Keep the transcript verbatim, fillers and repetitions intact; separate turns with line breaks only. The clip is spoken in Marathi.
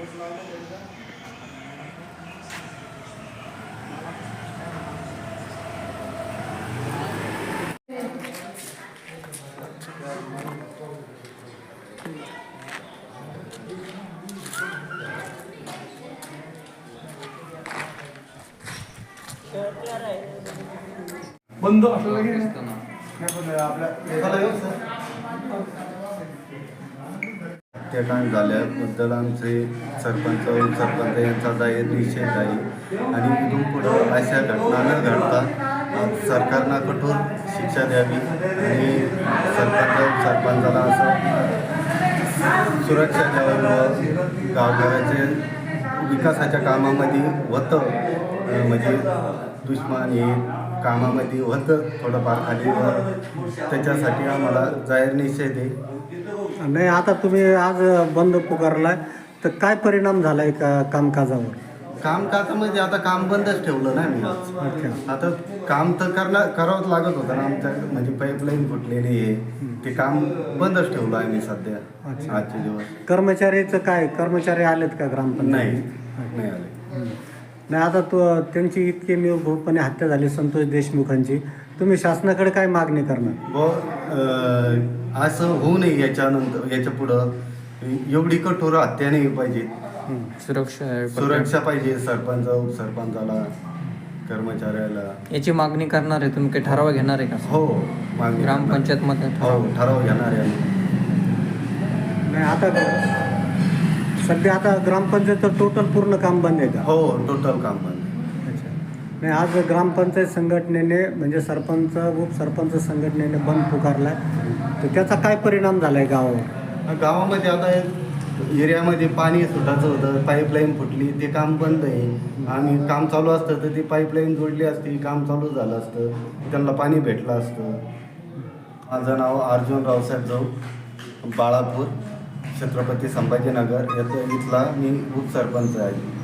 बंद
त्या काम झाल्याबद्दल आमचे सरपंच सरपंच यांचा जाहीर निषेध आहे आणि इथून पुढं अशा घटना न घडता सरकारनं कठोर शिक्षा द्यावी आणि सरपंच सरपंचाला असं सुरक्षा द्यावी व गावगावाचे विकासाच्या कामामध्ये होतं म्हणजे दुश्मन हे कामामध्ये होतं थोडंफार खाली व त्याच्यासाठी आम्हाला जाहीर निषेध आहे.
नाही, आता तुम्ही आज बंद पुकारलाय तर काय परिणाम झालाय का कामकाजावर?
कामकाजामध्ये आता काम बंदच ठेवलं ना मी आज.
अच्छा.
आता काम तर करणार करावंच लागत होतं ना आमच्या म्हणजे पाईपलाईन फुटलेली आहे ते काम बंदच ठेवलं आहे मी सध्या.
अच्छा.
आजचे दिवस
कर्मचारीचं काय, कर्मचारी आलेत का ग्रामपंचायत?
नाही नाही आले.
नाही, आता तो त्यांची इतकी निर्भूतपणे हत्या झाली संतोष देशमुखांची, तुम्ही शासनाकडे काय मागणी करणार?
व अं, असं होऊ नये याच्यानंतर याच्या पुढं एवढी कठोर हत्या नाही पाहिजे.
सुरक्षा
सुरक्षा पाहिजे सरपंच उपसरपंचाला कर्मचाऱ्याला.
याची मागणी करणार आहे तुम्ही? काही ठराव घेणार आहे का?
हो मागणी
ग्रामपंचायत मध्ये
हो ठराव घेणार आहे.
नाही, आता सध्या आता ग्रामपंचायतचं टोटल पूर्ण काम बंद आहे का?
हो टोटल काम बंद.
अच्छा. नाही, आज ग्रामपंचायत संघटनेने म्हणजे सरपंच उपसरपंच संघटनेने बंद पुकारलाय तर त्याचा काय परिणाम झालाय गावावर?
गावामध्ये आता एरियामध्ये पाणी सुटायचं होतं, पाईपलाईन फुटली, ते काम बंद आहे आणि काम चालू असतं तर ती पाईपलाईन जोडली असती, काम चालू झालं असतं, त्यांना पाणी भेटलं असतं. माझं नाव अर्जुन रावसाहेब जाऊ, बाळापूर, छत्रपती संभाजीनगर याचा इथला मी उपसरपंच आहे.